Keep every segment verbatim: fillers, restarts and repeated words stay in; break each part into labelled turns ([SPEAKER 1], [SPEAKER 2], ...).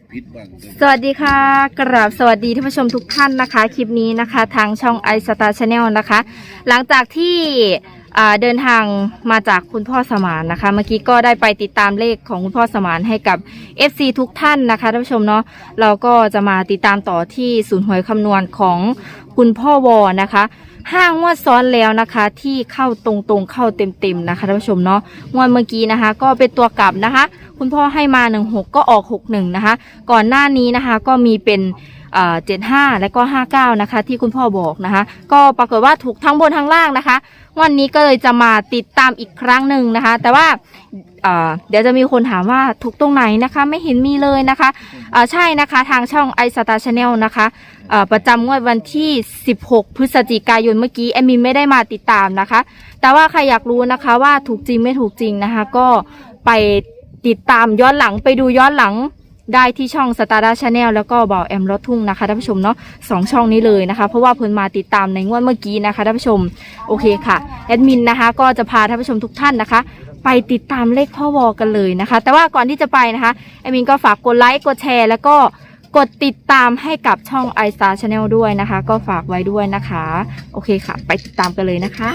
[SPEAKER 1] พิษบ้าง
[SPEAKER 2] สวัสดีค่ะกราบสวัสดีท่านผู้ชมทุกท่านนะคะคลิปนี้นะคะทางช่อง ไอ สตาร์ ชาแนล นะคะหลังจากที่เดินทางมาจากคุณพ่อสมานนะคะเมื่อกี้ก็ได้ไปติดตามเลขของคุณพ่อสมานให้กับ เอฟ ซี ทุกท่านนะคะท่านผู้ชมเนาะเราก็จะมาติดตามต่อที่ศูนย์หวยคำนวณของคุณพ่อวอนะคะห้างงวดซ้อนแล้วนะคะที่เข้าตรงๆเข้าเต็มๆนะคะท่านผู้ชมเนาะงวดเมื่อกี้นะคะก็เป็นตัวกลับนะคะคุณพ่อให้มาหนึ่งหกก็ออกหกหนึ่งนะคะก่อนหน้านี้นะคะก็มีเป็นเจ็ดห้าและก็ห้าเก้านะคะที่คุณพ่อบอกนะคะก็ปรากฏว่าถูกทั้งบนทั้งล่างนะคะวันนี้ก็เลยจะมาติดตามอีกครั้งหนึ่งนะคะแต่ว่าเดี๋ยวจะมีคนถามว่าถูกตรงไหนนะคะไม่เห็นมีเลยนะคะใช่นะคะทางช่อง ไอ สตาร์ ชาแนล นะคะประจำงวดวันที่สิบหกพฤศจิกายนเมื่อกี้แอมมินไม่ได้มาติดตามนะคะแต่ว่าใครอยากรู้นะคะว่าถูกจริงไม่ถูกจริงนะคะก็ไปติดตามย้อนหลังไปดูย้อนหลังได้ที่ช่อง สตาร์ ชาแนล แล้วก็บ่าวแอมรถทุ่งนะคะท่านผู้ชมเนาะสองช่องนี้เลยนะคะเพราะว่าเพิ่นมาติดตามในงวดเมื่อกี้นะคะท่านผู้ชมโอเคค่ะแอดมินนะคะก็จะพาท่านผู้ชมทุกท่านนะคะไปติดตามเลขพ่อวอกันเลยนะคะแต่ว่าก่อนที่จะไปนะคะแอดมินก็ฝากกดไลค์กดแชร์แล้วก็กดติดตามให้กับช่อง ไอ สตาร์ ชาแนล ด้วยนะคะก็ฝากไว้ด้วยนะคะโอเคค่ะไปติดตามกันเลยนะคะ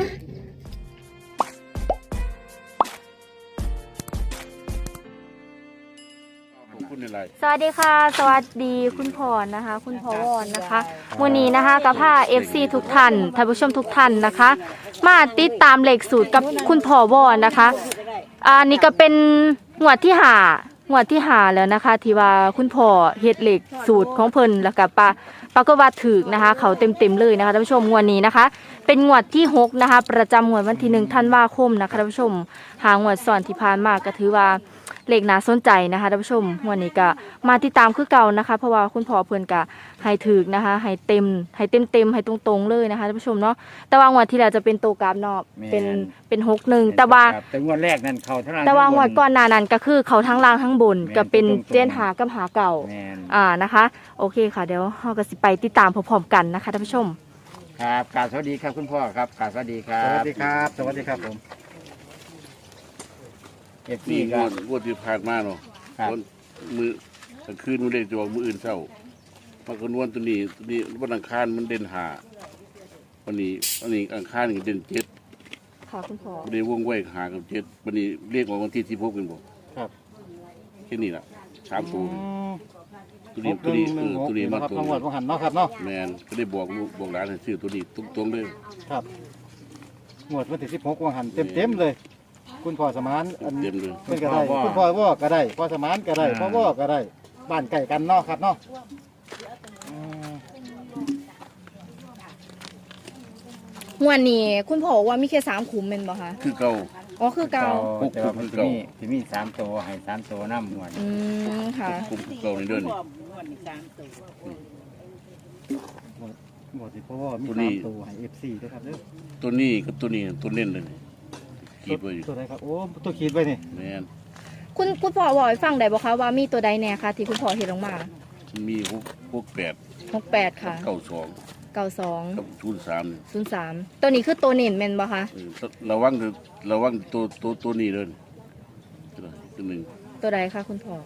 [SPEAKER 2] สวัสดีค่ะสวัสดีคุณพรนะคะคุณพรวอนนะคะวันนี้นะคะกับผ้า เอฟ ซี ทุกท่านท่านผู้ชมทุกท่านนะคะมาติดตามเลขสูตรกับคุณพ่อวอนนะคะอันนี้ก็เป็นงวดที่หางวดที่หาแล้วนะคะที่ว่าคุณพ่อเฮ็ดเลขสูตรของเพิ่นแล้วก็ปาปากว่าถึกนะคะเขาเต็มเต็มเลยนะคะท่านผู้ชมงวดนี้นะคะเป็นงวดที่หกนะคะประจำงวดวันที่หนึ่งธันวาคมนะคะท่านผู้ชมหางวดสอนที่ผ่านมาก็ถือว่าเลขน่าสนใจนะคะท่านผู้ชมวันนี้ก็มาติดตามคือเก่านะคะเพราะว่าคุณพ่อเพิ่นก็ให้ถึกนะคะให้เต็มให้เต็มเต็มให้ตรงๆเลยนะคะท่านผู้ชมเนาะแต่ว่างวดที่แล้วจะเป็นตัวกราฟเนาะเป็นเป็นหกหนึ่งแต่ว่า
[SPEAKER 3] แต่งวดแรกนั่นเขาทั้งล่าง
[SPEAKER 2] แต่ว่างวดก่อนหน้านั้นก็คือเขาทั้งล่างทั้งบนก็เป็นเจนหากับหาเก่าอ่านะคะโอเคค่ะเดี๋ยวเราก็สิไปติดตามพร้อมๆกันนะคะท่านผู้ชม
[SPEAKER 3] ครับกราบสวัสดีครับคุณพ่อครับกราบสวัสดีครับ
[SPEAKER 4] สวัสดีครับสวัสดีครับผม
[SPEAKER 1] เอฟซีก็งวดที่ผ่านมาเนาะมือกลางคืนมันเล่นจะบอกมืออื่นเศร้ามาคนวันตัวนี้ตัวนี้วันอังคารมันเด่นหาวันนี้วันนี้อังคารนี่เด่นเจ็ด
[SPEAKER 2] ค่ะคุณพ่อ
[SPEAKER 1] วันนี้วงไว้หากับเจ็ดวันนี้เรียกว่าวันที่ที่พบกันบอก
[SPEAKER 4] ครับ
[SPEAKER 1] แค่นี้แหละสามตัวตัวนี้ตัวนี้เออตัวนี้มาตัวนี้
[SPEAKER 4] หันเนาะครับเนาะ
[SPEAKER 1] แมนก็ได้บอกบอกหลานให้ซื้อตัวนี้ตุ้งตรงเลย
[SPEAKER 4] ครับหมดวันที่สิบหกวันหันเต็มเต็มเลยคุณพ่อสมานอัน
[SPEAKER 1] เต็มเลย
[SPEAKER 4] คุณก็ได้คุณพ่อว่าก็ได้พ่อสมานก็ได้พ่อว่าก็ได้บ้านไก่กันเนาะครับเนาะ
[SPEAKER 2] งวดนี้คุณพ่อว่ามีแค่สามขุมเป็นบ่คะ
[SPEAKER 1] คือเก่า
[SPEAKER 2] อ๋อคือเก่า
[SPEAKER 3] แต่ว่ามันจะมีจะมีสามตัวให้สามตัวน้ำหมด
[SPEAKER 2] อืมค่ะ
[SPEAKER 1] คุมเก่าในเดือนนี้
[SPEAKER 4] หมดที่พ่อว่ามีสามตัวให้เอฟซีด้วยครับเด้อ
[SPEAKER 1] ตัวนี้กับตัวนี้ตัวเล่นเลยขีดไว้
[SPEAKER 4] ตัวไหนครับโอ้ตัวขีดไว้นี่
[SPEAKER 1] แมน
[SPEAKER 2] คุณคุณพ่อบอกให้ฟังได้บ่คะว่ามีตัวใดแน่คะที่คุณพ่อเห็นลงมา
[SPEAKER 1] มีหกหกแปด
[SPEAKER 2] หกแปดค่ะ
[SPEAKER 1] เก้าสอง
[SPEAKER 2] เก้าสอง
[SPEAKER 1] กับศูนย์สาม
[SPEAKER 2] ศูนย์สามตัวนี้คือตัวเน้นแม่นบ่คะ
[SPEAKER 1] ระวังระวังตัวตัวตัวนี้เลยตัวหนึ่ง
[SPEAKER 2] ตัวใดคะคุณพ่อ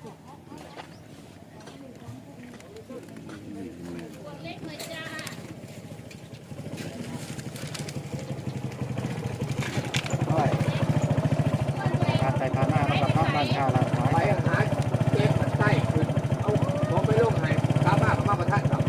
[SPEAKER 4] ไปทานหน้าแล้วก็ร้านข้าวร้านขาย
[SPEAKER 3] ไปหาเจ็บใส่เอาผมไปลงให้ข้าวมากมาประทานครับ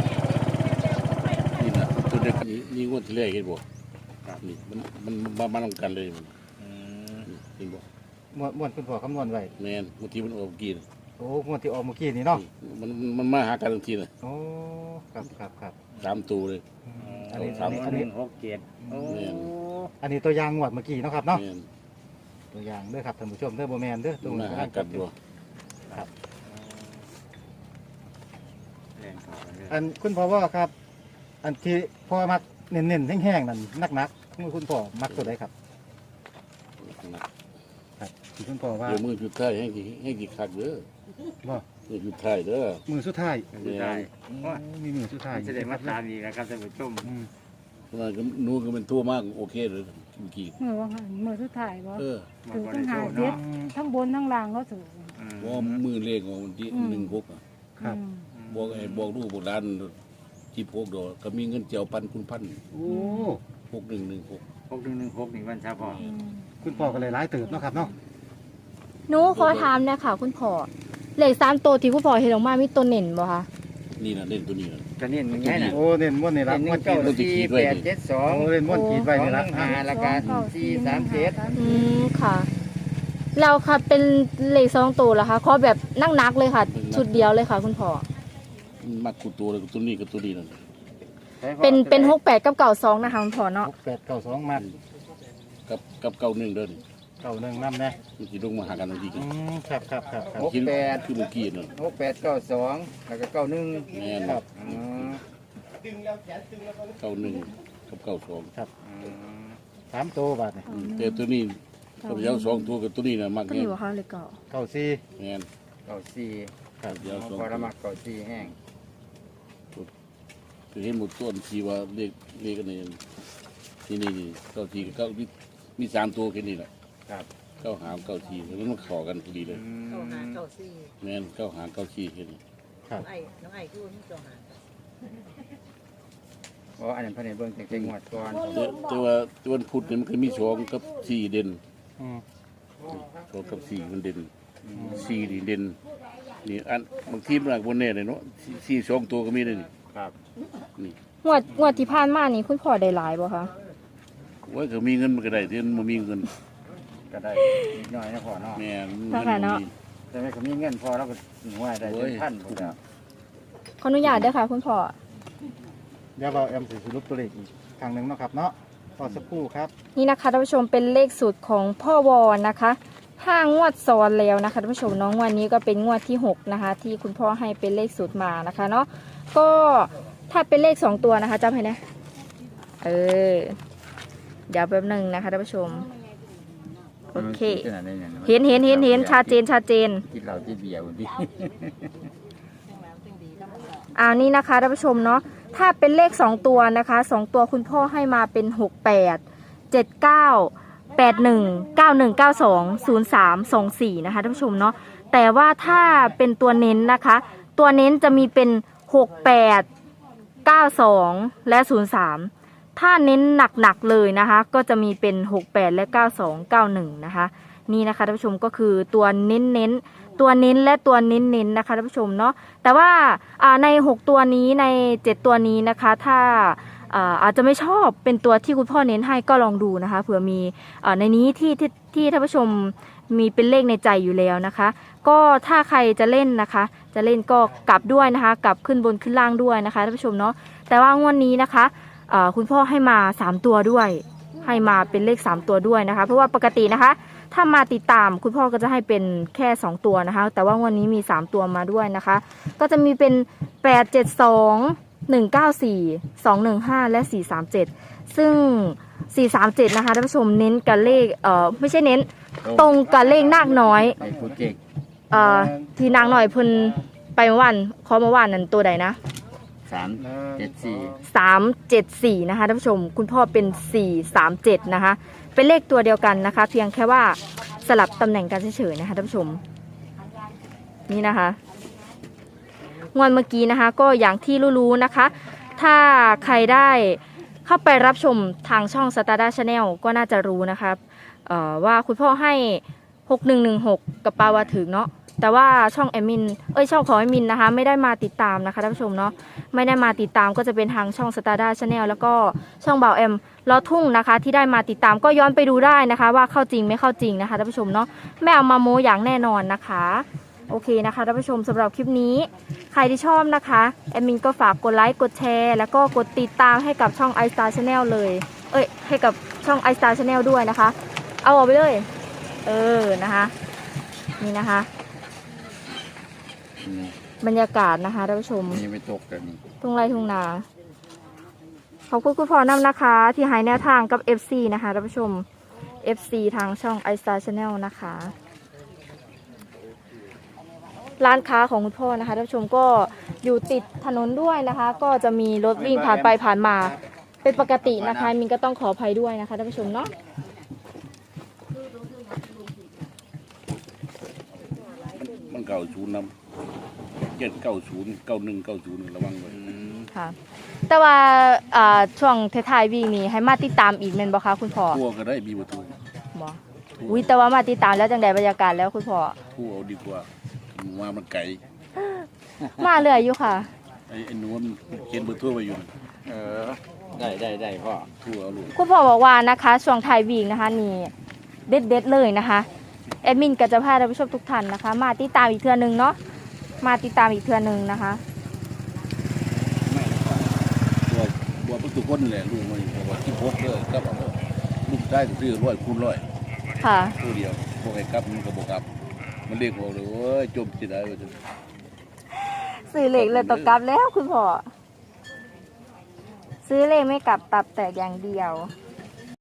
[SPEAKER 1] นี่นะตัวเด็กนี้นี่งวดที่แรกเห็นบ่นี่มันมันมามาทำกันเลยมันเห็นบ่
[SPEAKER 4] ม้วนม้วนคุณพ่อคำนวณไว้
[SPEAKER 1] แมนบางทีมันออกกิน
[SPEAKER 4] โอ้ม้วนที่ออกเมื่อกี้นี่เนาะ
[SPEAKER 1] มันมันมาหากันทันทีเลย
[SPEAKER 4] โอ้ครับครับครับ
[SPEAKER 1] สามตัวเลย
[SPEAKER 4] อันนี้อันนี้
[SPEAKER 3] อันนี้หกเจ็ด
[SPEAKER 4] อันนี้ตัวอย่างงวดเมื่อกี้เนาะครับเนาะตัวอย่างเด้อครับท่านผู้ชมเด้อโบแมนเด้อตัว
[SPEAKER 1] มาหากันดู
[SPEAKER 4] ครับอันคุณพ่อว่าครับอันที่พ่อมักเน้นๆแห้งๆนั่นนักๆคุณพ่อมักตัวใดครับครับคุณพ่อว่า
[SPEAKER 1] เดี๋ยวมือจุดท้ายให้กี่ให้กี่คักเด้อ
[SPEAKER 4] บ่
[SPEAKER 1] มือจุดท้ายเด้อ
[SPEAKER 4] มือสุดท้าย
[SPEAKER 3] สุดท้าย
[SPEAKER 4] มีมือสุดท้าย
[SPEAKER 3] จะได้มาตามอีกนะครับท่านผู้ชม
[SPEAKER 1] เพราะว่านู้นก็เป็นทั่วมากโอเคเลยเมื่อกี้
[SPEAKER 5] มือว่ามือสุดท้ายบ่
[SPEAKER 1] เออ
[SPEAKER 5] ถึงทั้งหาเจ็ดทั้งบนทั้งล่างก็สูง
[SPEAKER 1] ว่ามือเลขของวันที่หนึ่งหก
[SPEAKER 4] ครับ
[SPEAKER 1] บอกไอ้บอกลูกบอกหลานที่พกดอกก็มีเงินเจียวปันคุณพัน
[SPEAKER 3] โอ้
[SPEAKER 1] หกหนึ่งหนึ่งหก
[SPEAKER 3] หกหนึ่งหนึ่งหกหนึ่งวันชาพอ
[SPEAKER 4] คุณพ่อก็เลยร้ายเติบเนาะครับเนาะ
[SPEAKER 2] หนูขอถามเนี่ยค่ะ คุณพ่อเลขสามตัวที่คุณพ่อเห็นออกมามีตัวเน่นบ่คะ
[SPEAKER 1] นี่นะเล่นตัวนี้นะ
[SPEAKER 3] จะนี่มันไงน่ะ
[SPEAKER 4] โอ้เน้นม้วนนี่ละ
[SPEAKER 3] เป็นห
[SPEAKER 4] ม้ว
[SPEAKER 3] นึ่
[SPEAKER 4] น
[SPEAKER 3] ง
[SPEAKER 4] ขี
[SPEAKER 3] เก้า
[SPEAKER 4] ด
[SPEAKER 3] สี่แปดเจ็ดสอง
[SPEAKER 4] โอ้เล่นม้วนขีดไว้นี่ละ
[SPEAKER 3] สองหนึ่งห้าแล้วก็สี่สามเจ็ด
[SPEAKER 2] อืมค่ะเราค่ะเป็นเลขสองตัวเหรอคะขอแบบนั่งนักๆเลยค่ะ ชุดเดียวเลยค่ะ คุณพ่อ
[SPEAKER 1] มักกูตัวเลยตัวนี้กับตัวนี้นั่น
[SPEAKER 2] เป็นเป็นหกแปดกับเก่าสองนะคะคุณพ่อเนาะ
[SPEAKER 4] หกแปดเก้าสองมัด
[SPEAKER 1] กับกับเก้าหนึ่งเดิน
[SPEAKER 4] เก้าหนึ่งน้ำนะ
[SPEAKER 1] มันจะลงมาหากันทันที
[SPEAKER 4] อืมครับครับครับครับ
[SPEAKER 3] หกแปด
[SPEAKER 1] คือเมื่อกี้นั่น
[SPEAKER 3] หกแปดเก้าสองแล้วก็เก้าหนึ่ง
[SPEAKER 1] แม่น
[SPEAKER 4] ครับ
[SPEAKER 3] อืม
[SPEAKER 1] เก้าหนึ่งกับเก้าสอง
[SPEAKER 3] อืม
[SPEAKER 4] สามตัวบาทนี่
[SPEAKER 1] แต่ตัวนี้กับยาวสองตัวกับตัวนี้นะมัก
[SPEAKER 2] ก็
[SPEAKER 1] แน่
[SPEAKER 2] มีว่าเขาเลขเก่า
[SPEAKER 4] เก้าสี่
[SPEAKER 1] แม่น
[SPEAKER 3] เก้าสี่
[SPEAKER 1] กับยาวสอง
[SPEAKER 3] พอ
[SPEAKER 1] ตั
[SPEAKER 3] ละ
[SPEAKER 1] ว
[SPEAKER 3] มักเก้าสี่แห้ง
[SPEAKER 1] คือเห็นหมดต้นทีว่าเลขเลขกันนี่ที่นี่นี่เก้าทีกับเก้ามีมีสามตัวแค่นี้แหละ
[SPEAKER 3] ครับ
[SPEAKER 1] เก้าหางเก้าทีแล้วมันขอกันพอดีเลย
[SPEAKER 3] อืม
[SPEAKER 5] เก้าหาเก้าสี่
[SPEAKER 1] แม่นเก้าหางเก้าทีแค่นี้
[SPEAKER 4] ครับ
[SPEAKER 5] น้องไอ้น้องไอ้คือว่ามีเก้าหา
[SPEAKER 3] อ๋ออันนั้นเพันในเบื้องเต็งๆหมดก่อน
[SPEAKER 1] แต่แต่ว่าตัววันพุธนี่มันก็มีสองกับสี่เด่น
[SPEAKER 4] อืม
[SPEAKER 1] สองกับสี่มันเด่นสี่นี่เด่นนี่อันบางทีมันหนักบนแน่เลยเนาะสี่สี่สองตัวก็มีเลยนี่
[SPEAKER 3] ครับ
[SPEAKER 1] นี่
[SPEAKER 2] งวดงวดที่ผ่านมานี่คุณพ่อได้หลายบ่คะ
[SPEAKER 1] ไว้ก็มีเงินมันก็ได้ที่มันมีเงิน
[SPEAKER 3] ก็ได้นิดหน่อยนะพ่อเนาะ
[SPEAKER 1] แม่น
[SPEAKER 2] ค่ะค่ะเนาะ
[SPEAKER 3] แต่ไม่ก็มีเงินพอแล้วก็หัวได้เป็นพันพอแล้ว
[SPEAKER 2] ขออนุญาตเด้อค่ะ คุณพ่อ
[SPEAKER 4] เดี๋ยวเราแอมสิสรุปตัวเลขอีกครั้งหนึ่งเนาะครับเนาะต่อสักครู่ครับ
[SPEAKER 2] นี่นะคะท่านผู้ชมเป็นเลขสูตรของพ่อวอนนะคะห้างวดซ้อนแล้วนะคะท่านผู้ชมเน้องวันนี้ก็เป็นงวดที่หกนะคะ ที่คุณพ่อให้เป็นเลขสูตรมานะคะเนาะก็ถ้าเป็นเลขสองตัวนะคะจำให้นะเออเดี๋ยวแป๊บหนึ่งนะคะท่านผู้ชมโอเค
[SPEAKER 3] ขนาดนี้เนี่ย
[SPEAKER 2] เห็นเห็นเห็นเห็นชัดเจนชัดเจน
[SPEAKER 3] กินเหล้ากินเบียร์บางที
[SPEAKER 2] อ่านี่นะคะท่านผู้ชมเนาะถ้าเป็นเลขสองตัวนะคะสองตัวคุณพ่อให้มาเป็นหกแปดเจ็ดเก้าแปดหนึ่งเก้าหนึ่งเก้าสองศูนย์สามสองสี่นะคะท่านผู้ชมเนาะแต่ว่าถ้าเป็นตัวเน้นนะคะ ตัวเน้นจะมีเป็นหกแปดเก้าสองและศูนย์สามถ้าเน้นหนักๆเลยนะคะ ก็จะมีเป็นหกแปดและเก้าสองเก้าหนึ่งนะคะนี่นะคะท่านผู้ชมก็คือตัวเน้นเน้นตัวเน้นและตัวเน้นเน้นนะคะท่านผู้ชมเนาะแต่ว่าในหกตัวนี้ในเจ็ดตัวนี้นะคะถ้าอาจจะไม่ชอบเป็นตัวที่คุณพ่อเน้นให้ก็ลองดูนะคะเผื่อมีในนี้ที่ที่ที่ท่านผู้ชมมีเป็นเลขในใจอยู่แล้วนะคะก็ถ้าใครจะเล่นนะคะจะเล่นก็กลับด้วยนะคะกลับขึ้นบนขึ้นล่างด้วยนะคะท่านผู้ชมเนาะแต่ว่างวดนี้นะคะคุณพ่อให้มาสามตัวด้วยให้มาเป็นเลขสามตัวด้วยนะคะเพราะว่าปกตินะคะถ้ามาติดตามคุณพ่อก็จะให้เป็นแค่สองตัวนะคะแต่ว่างวดนี้มีสามตัวมาด้วยนะคะก็จะมีเป็นแปด เจ็ด สอง หนึ่ง เก้า สี่ สอง หนึ่ง ห้าและสี่ สาม เจ็ดซึ่งสี่ สาม เจ็ดนะคะท่านผู้ชมเน้นกับเลขเอ่อไม่ใช่เน้นตรงกับเลขนาคน้อย
[SPEAKER 3] ไอ้ผู้เก่ง
[SPEAKER 2] เอ่อที่นางหน่อยเพิ่นไปเมื่อวานขอเมื่อวานนั้นตัวใดนะ
[SPEAKER 3] สามเจ็ดสี่
[SPEAKER 2] สามเจ็ดสี่นะคะท่านผู้ชมคุณพ่อเป็นสี่สามเจ็ดนะคะเป็นเลขตัวเดียวกันนะคะ เพียงแค่ว่าสลับตำแหน่งกันเฉยๆนะคะท่านผู้ชมนี่นะคะงวดเมื่อกี้นะคะก็อย่างที่รู้ๆนะคะ ถ้าใครได้เข้าไปรับชมทางช่อง Stardust Channel ก็น่าจะรู้นะคะเอ่อว่าคุณพ่อให้หกหนึ่งหนึ่งหกกับปาวาถึงเนาะแต่ว่าช่องแอดมินเอ้ยช่องของแอดมินนะคะไม่ได้มาติดตามนะคะท่านผู้ชมเนาะไม่ได้มาติดตามก็จะเป็นทางช่อง Stardust Channel แล้วก็ช่องบ่าวแอมลอทุ่งนะคะที่ได้มาติดตามก็ย้อนไปดูได้นะคะว่าเข้าจริงไม่เข้าจริงนะคะท่านผู้ชมเนาะไม่เอามาโม้อย่างแน่นอนนะคะโอเคนะคะท่านผู้ชมสำหรับคลิปนี้ใครที่ชอบนะคะแอดมินก็ฝากกดไลค์กดแชร์แล้วก็กดติดตามให้กับช่อง iStar Channel เลยเอ้ยให้กับช่อง iStar Channel ด้วยนะคะเอาออกไปเลยเออนะคะนี่นะคะบรรยากาศนะคะท่านผู้ชม
[SPEAKER 3] มีไม่ตกกันนี่
[SPEAKER 2] ทุ่งไร่ทุ่งนาขอบคุณคุณพ่อนำนะคะ ที่ให้แนวทางกับ เอฟ ซี นะคะท่านผู้ชม เอฟ ซี ทางช่อง iStar Channel นะคะร้านค้าของคุณพ่อนะคะท่านผู้ชมก็อยู่ติดถนนด้วยนะคะ ก็จะมีรถวิ่งผ่านไปผ่านมาเป็นปกตินะคะมินก็ต้องขออภัยด้วยนะคะท่านผู้ชมเนาะ
[SPEAKER 1] เก้าศูนย์น้ำเจ็ดเก้าศูนย์เก้าหนึ่งเก้าศูนย์ระวังไว้
[SPEAKER 2] ค่ะ แต่ว่าอ่าช่วงท้ายๆวีคนี้ให้มาติดตามอีกแม่นบ่คะคุณพ่อ
[SPEAKER 1] ทั่วก็ได้มีประตู
[SPEAKER 2] บ่อุ้ยแต่ว่ามาติดตามแล้วจังไดบรรยากาศแล้วคุณพ่อ
[SPEAKER 1] ทั่วเอาดีกว่าว่ามันไก่
[SPEAKER 2] มาเรื่อยอยู่ค่ะ
[SPEAKER 1] ไอ้ไอ้หนูมันเขียนเบอร์ทั่วไปอยู่
[SPEAKER 3] เออได้ได้ได้พ่อ
[SPEAKER 1] ทั่วเอาลูก
[SPEAKER 2] คุณพ่อบอกว่านะคะช่วงท้ายวีคนะคะนี่เด็ดๆเลยนะคะแอดมินก็จะพาท่านผู้ชมทุกท่านนะคะ มาติดตามอีกเทื่อนึงเนาะมาติดตามอีกเทื่อนึงนะคะ
[SPEAKER 1] ตัวตัวประตูคนแหละลูกมันบอกว่าที่พกเลยกับเอาลูกได้ซื้อร้อยคูณร้อย
[SPEAKER 2] ค่ะ
[SPEAKER 1] ตัวเดียวพวกไอ้กับมันก็บอกกับมันเรียกบอกเลยโอ้ยจมจิตได้เลย
[SPEAKER 2] ซื้อเลขเลยตกกลับแล้วคุณพ่อซื้อเลขไม่กลับตับแตกอย่างเดียว
[SPEAKER 1] เ